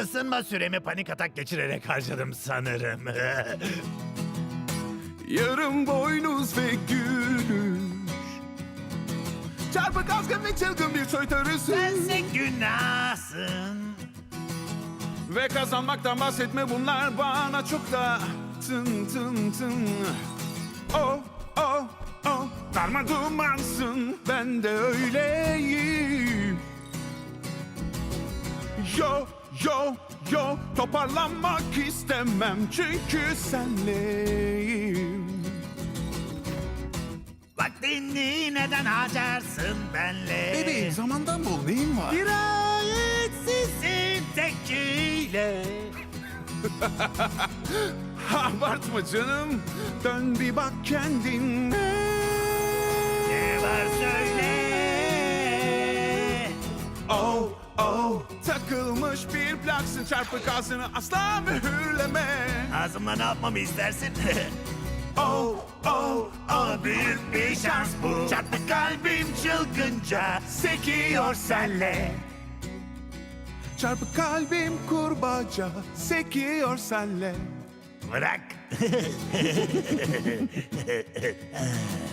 Isınma süremi panik atak geçirerek harcadım sanırım. Yarım boynuz ve gülüş. Çarpık azgın ve çılgın bir soytarısın. Sense günahsın. Ve kazanmaktan bahsetme, bunlar bana çok da tın tın tın. Oh oh oh, darma dumansın, ben de öyleyim. Yo yo yo, toparlanmak istemem çünkü senleyim. Vaktini neden harcarsın benle? Bebeğim, zamandan bol neyin var? Dirayetsizsin tekiyle. Abartma canım, dön bir bak kendine. Ne var söyle. Oh oh, takılmış bir plaksın, çarpık ağzını asla mühürleme. Ağzımla ne yapmamı istersin? Oh oh O büyük bir şans bu. Çarpık kalbim çılgınca sekiyor senle. çarpık kalbim kurbaca sekiyor senle. Bırak.